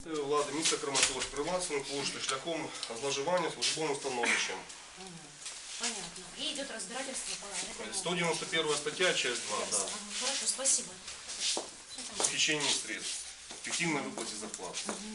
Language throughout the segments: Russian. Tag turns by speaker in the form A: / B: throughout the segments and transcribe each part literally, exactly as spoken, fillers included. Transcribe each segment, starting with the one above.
A: Влади, місто Краматорськ, привласнену пошту шляхом зловживання службовим становищем.
B: Понятно. И идет разбирательство по
A: сто девяносто первая статья, часть два. Да.
B: Хорошо, спасибо.
A: Хищение средств. Фиктивной выплате зарплат.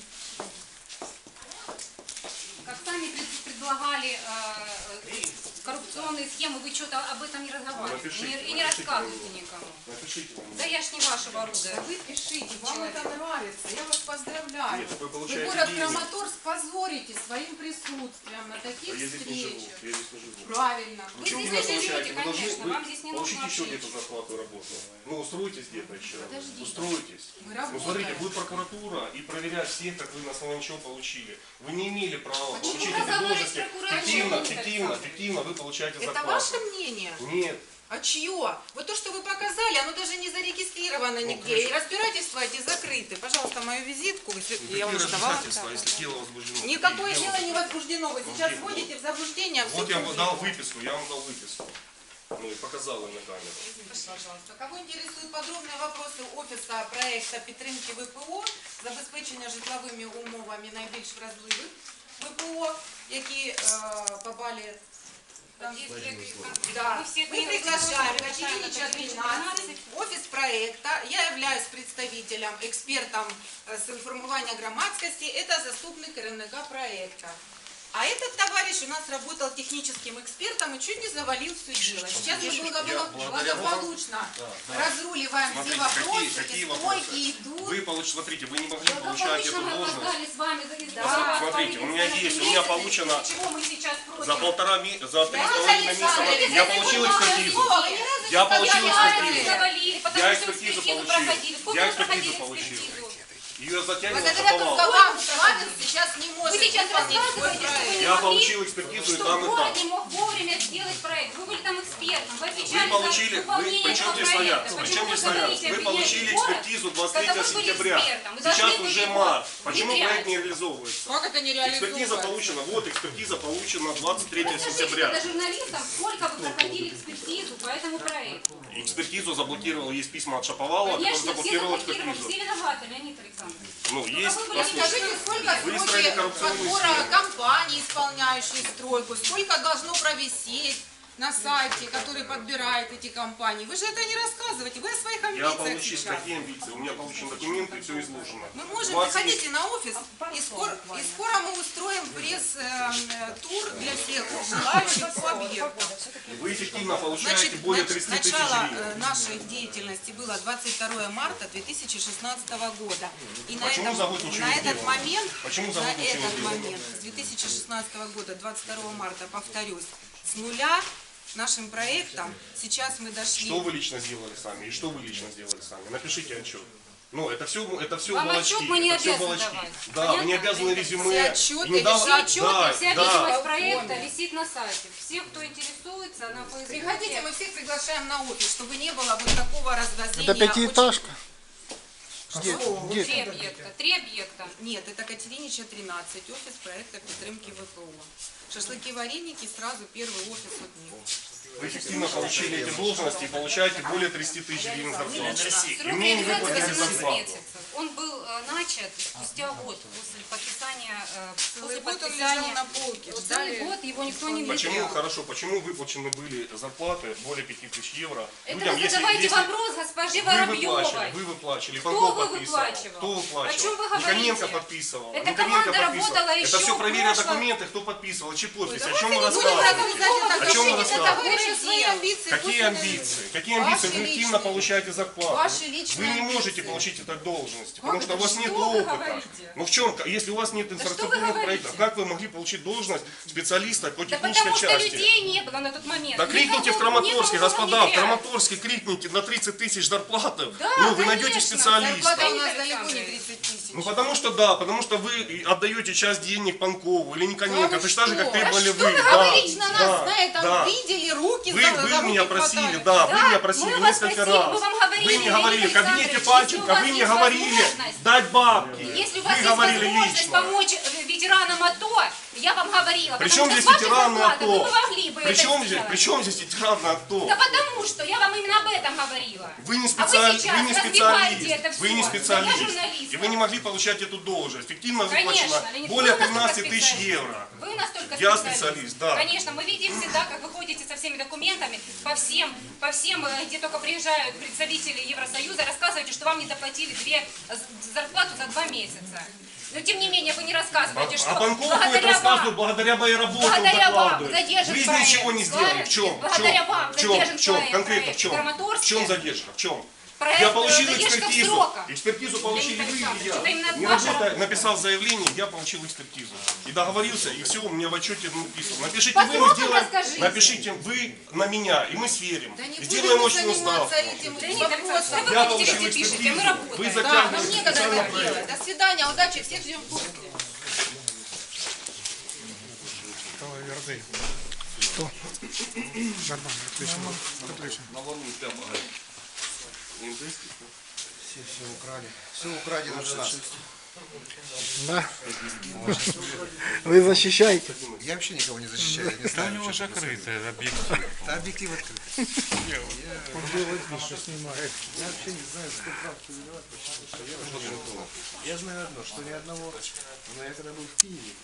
C: Как сами предлагали э, коррупционные схемы, вы что-то об этом не разговариваете
A: Напишите,
C: и не, и не
A: напишите
C: рассказываете никому.
A: Напишите вам.
C: Да я ж не вашего оружия.
D: Вы пишите, вам это нравится, я вас поздравляю.
A: Нет, вы
D: Вы
A: получаете
D: город
A: деньги.
D: Краматорск позорите своим присутствием на таких
A: Я здесь не живу.
D: встречах.
A: Я здесь не живу.
D: Правильно.
A: Вы
C: Вы
A: что
C: здесь
A: вы
C: не живете,
A: получаете? Вы должны,
C: конечно,
A: вы
C: вам здесь не
A: получите
C: нужно
A: еще
C: вообще
A: где-то зарплату работу. Ну, устроитесь где-то еще.
D: Подождите.
A: Устроитесь.
D: Мы
A: Ну, смотрите,
D: работаем.
A: будет прокуратура и проверять всех, как вы на основании чего получили. Вы не имели права
D: Почему
A: получить
C: вы
A: эти
C: разговариваете
A: должности.
C: с прокуратурой?
A: Фиктивно,
C: Это
A: фиктивно,
C: самое.
A: фиктивно вы получаете
D: Это
A: зарплату.
D: ваше мнение?
A: Нет.
D: А чье? Вот то, что вы показали, оно даже не зарегистрировано
A: Ну,
D: нигде. И разбирательства эти закрыты. Пожалуйста, мою визитку.
A: Ну,
D: Я вам
A: какие
D: давала.
A: разбирательства, если дело возбуждено?
D: Никакое
A: Какие
D: дело не возбуждено. Вы сейчас
A: где?
D: вводите в заблуждение. всю
A: Вот я вам
D: публику.
A: дал выписку, я вам дал выписку. Ну и показал ее на камеру.
D: Пожалуйста. Кого интересуют подробные вопросы офиса проекта підтримки ВПО, забезпечення житловими умовами найбільш вразливих ВПО, які е, попали там, да. Мы приглашаем Катеринича тринадцать, офис проекта. Я являюсь представителем, экспертом э, с информирования громадскости. Это заступник керівника проекта. А этот товарищ у нас работал техническим экспертом и чуть не завалил все дело. Сейчас мы благо- благополучно разруливаем все
A: Смотрите,
D: вопросы,
A: какие, какие
D: и
A: вопросы?
D: стойки идут.
A: Вы получ... смотрите, вы не могли получать эту
C: мы
A: должность.
C: опоздали с вами.
D: Да.
A: Смотрите, у меня есть, у меня получено
C: Чего мы сейчас против?
A: за полтора месяца, за три
D: Да,
A: с половиной
D: Александр,
A: месяца я получил экспертизу. Я получил экспертизу.
C: Завалили, потому
A: Я
C: что
A: экспертизу
C: экспертизу
A: получил.
C: проходили. Сколько
A: Я
C: вы проходили
A: экспертизу получил.
C: экспертизу?
A: Ее затягивал
D: Благодаря
A: шаповал.
D: вам Славин сейчас не может
C: Вы сейчас
D: выполнить свой
C: рассказываете, что вы
D: проект.
C: не
A: Я
C: могли,
A: получил экспертизу и
C: что
A: там, и
C: город
A: там.
C: не мог вовремя сделать проект. Вы были там экспертом, вы отвечали
A: Вы получили,
C: за
A: вы,
C: выполнение
A: причем
C: этого
A: здесь
C: проекта.
A: стоят,
C: Почему
A: причем
C: вы
A: здесь стоят,
C: говорите,
A: вы
C: обвиняете
A: получили
C: город,
A: экспертизу
C: когда
A: двадцать третьего
C: вы были
A: сентября.
C: экспертом? Вы
A: Сейчас
C: должны
A: уже
C: были
A: март.
C: его
A: Почему
C: внедрять.
A: проект не реализовывается?
D: Как это не
A: Экспертиза получена, вот экспертиза получена двадцать третьего
C: Расскажите
A: сентября.
C: тогда журналистам, сколько вы проходили экспертизу по этому проекту.
A: Экспертизу заблокировал, есть письма от Шаповалова, который
C: Конечно, все
A: заблокировал
C: заблокировали,
A: экспертизу.
C: все виноваты, Леонид Александрович.
A: Ну,
C: Ну,
A: есть,
C: какой вы
A: послушайте.
D: Скажите, сколько
A: Выстроили
D: сроки
A: коррупционную
D: подбора
A: схему.
D: компаний, исполняющих стройку, сколько должно провисеть на сайте, который подбирает эти компании. Вы же это не рассказываете, вы о своих
A: Я
D: амбициях
A: получил,
D: сейчас.
A: какие амбиции? У меня получены документы, все изложено.
D: Мы можем,
A: двадцать
D: приходите на офис, и скоро, и скоро мы устроим пресс-тур для всех желающих по объекту.
A: Вы эффективно получаете
D: Значит,
A: более
D: нач-
A: тридцати тысяч
D: начало
A: гривен.
D: э, нашей деятельности было двадцать второе марта две тысячи шестнадцатого года. И на,
A: Почему
D: этом,
A: завод ничего
D: на
A: не
D: этот
A: делал?
D: момент,
A: Почему
D: на
A: завод ничего не
D: этот
A: делал?
D: момент, с две тысячи шестнадцатого года, двадцать второго марта, повторюсь, с нуля нашим проектом сейчас мы дошли.
A: Что вы лично сделали сами и что вы лично сделали сами? Напишите отчет. Ну, это все, это все
C: Вам
A: балачки.
C: отчет мы не
A: это все
C: обязаны
A: балачки.
C: давать.
A: Да, вы не
C: Понятно?
A: обязаны
C: Это
A: резюме.
D: все отчеты,
A: и не дал-
D: все
A: да,
D: отчеты,
C: Вся
A: да.
C: видимость проекта висит на сайте. Все, кто интересуется, на Фейсбуке.
D: Приходите, мы всех приглашаем на офис, чтобы не было вот такого развозения.
E: Это пятиэтажка? Где?
D: Очень-
E: Где?
C: Три объекта. Три объекта.
D: Нет, это Катеринича тринадцать, офис проекта підтримки ВПО. Шашлыки, вареники, сразу первый офис от них.
A: Вы эффективно получили эти должности и получаете более тридцати тысяч гривен зарплаты.
C: Срок
A: И мне не
C: реализации
A: выплатили
C: восемнадцать
A: зарплату.
C: месяцев. Он был э, начат спустя год после подписания, э,
D: Целый
C: после
D: год он
C: подписания.
D: лежал на полке.
C: Вот
D: ждали.
C: Целый год его никто не
A: Почему,
C: внедрял.
A: хорошо, почему выплачены были зарплаты более пяти тысяч евро?
C: Это
A: людям,
C: вы
A: если-
C: задавайте
A: если
C: вопрос госпоже
A: Вы выплачивали,
C: Воробьевой.
A: вы выплачивали,
C: Кто
A: Панков
C: вы
A: подписывал.
C: выплачивал?
A: Кто выплачивал?
C: О чем вы говорите?
A: Никоненко подписывал.
C: Эта
A: Никоненко
C: команда
A: подписывал.
C: работала
A: Это
C: еще
A: все
C: в
A: проверено
C: прошлом.
A: документы, кто подписывал, чьи подписи. О
D: Давайте
A: чем вы
D: не будем
A: рассказываете?
D: рассказывать
A: О чем вы
D: это
A: рассказываете?
D: товарищи свои амбиции.
A: Какие
D: пусть они-
A: амбиции? Какие амбиции?
D: Ваши
A: Вы активно
D: личные.
A: получаете зарплату.
D: Ваши
A: Вы
D: личные
A: не можете
D: амбиции.
A: получить этой должности, потому что у
C: это?
A: вас нет
C: Что вы
A: опыта.
C: говорите?
A: Ну в чем, если у вас нет
C: что вы
A: инфраструктурных
C: говорите?
A: проектов, как вы могли получить должность специалиста по
C: Да
A: технической
C: потому что
A: части?
C: людей не было на тот момент.
A: Да крикните в
C: Никого-
A: Краматорске,
C: никого
A: господа, в
C: внедряли.
A: Краматорске крикните на тридцать тысяч зарплаты.
C: Да,
A: ну, вы найдете
C: конечно,
A: специалиста.
D: Зарплата у нас
C: Леонид
D: далеко не
C: Александрович.
D: тридцать тысяч.
A: Ну потому что да, потому что вы отдаете часть денег Панкову или Никоненко,
D: Да вы
A: точно так же,
D: что?
A: как
D: Да
A: требовали
D: что
A: вы.
D: вы
A: Да,
D: говорите на нас
A: да,
D: на этом
A: да.
D: видели, руки
A: Вы,
D: за,
A: вы
D: за руки
A: меня просили,
D: хватали.
A: да,
C: Да,
A: вы меня просили
C: мы вас
A: несколько
C: просили,
A: раз.
C: мы вам говорили,
A: Вы мне говорили
C: Леонид
A: в кабинете
C: Александрович,
A: Панченко,
C: если у
A: вы
C: вас
A: мне
C: есть
A: говорили
C: возможность-
A: дать бабки.
C: Если у
A: Вы
C: вас есть
A: говорили
C: возможность
A: лично.
C: помочь э, ветеранам АТО, Я вам говорила,
A: Причем
C: потому
A: здесь
C: что с вашей
A: ветераны
C: зарплаты вы
A: АТО?
C: бы могли бы
A: Причем
C: это
A: здесь,
C: сделать.
A: причем здесь ветераны АТО?
C: Да потому что я вам именно об этом говорила.
A: Вы не,
C: А вы
A: специали-
C: сейчас
A: вы не
C: развиваете
A: специалист,
C: это
A: вы не
C: всё.
A: специалист,
C: Да я журналист.
A: и вы не могли получать эту должность. Эффективно
C: Конечно,
A: выплачено
C: Леонид,
A: более
C: вы настолько
A: пятнадцати тысяч
C: специалист.
A: евро.
C: Вы настолько
A: Я
C: специалист.
A: специалист, да.
C: Конечно, мы видим всегда, как вы ходите со всеми документами по всем, по всем, э, где только приезжают представители Евросоюза, рассказываете, что вам не доплатили две з- зарплату за два месяца. Но тем не менее вы не рассказываете, что
A: А Панков будет
C: благодаря
A: рассказывать,
C: вам,
A: благодаря моей работе он
C: благодаря вам
A: докладывает.
C: задержан
A: В жизни
C: проект.
A: ничего не сделали. В чем? В
C: Благодаря
A: чем?
C: вам
A: В чем?
C: задержан
A: В чем?
C: проект,
A: Конкретно в
C: проект
A: чем? В
C: Краматорске.
A: чем задержка? В чем?
C: Проект,
A: Я
C: э,
A: получил
C: задержка в
A: экспертизу.
C: сроках.
A: Экспертизу получили
C: Леонид
A: вы и
C: Александрович,
A: я.
C: это именно
A: Не
C: ваша
A: работая,
C: работа.
A: написал заявление, я получил экспертизу. И договорился, и все, у меня в отчете написано. Напишите
C: По
A: вы, мы
C: срокам
A: сделаем.
C: расскажите.
A: Напишите вы на меня, и мы сверим.
D: Да не
A: И
D: будем
A: сделаем
D: мы
A: очную ставку.
D: заниматься этим
C: Леонид Александрович,
D: вопросом.
C: вы
A: Я
C: хотите,
A: получил
C: везде пишете,
A: экспертизу.
C: мы работаем.
A: Вы
D: Да,
A: затягиваете
D: нам некогда
A: специальный
D: это
A: проект.
D: делать. До свидания, удачи, всех ждем в курсе.
E: Что? Нормально, отлично. Отлично.
F: Все, все украли. Все украдено за нас.
E: Да? Вы защищаете?
F: Я вообще никого не защищаю. Я не знаю,
G: У него
F: что это
G: закрытый объектив.
F: за- Да, объектив открыт.
E: Он делает вид, что снимает.
F: Я вообще не знаю, кто прав, кто виноват. Почему? Что я, вообще не знаю. Я знаю одно, что ни одного, но я когда был в Киеве,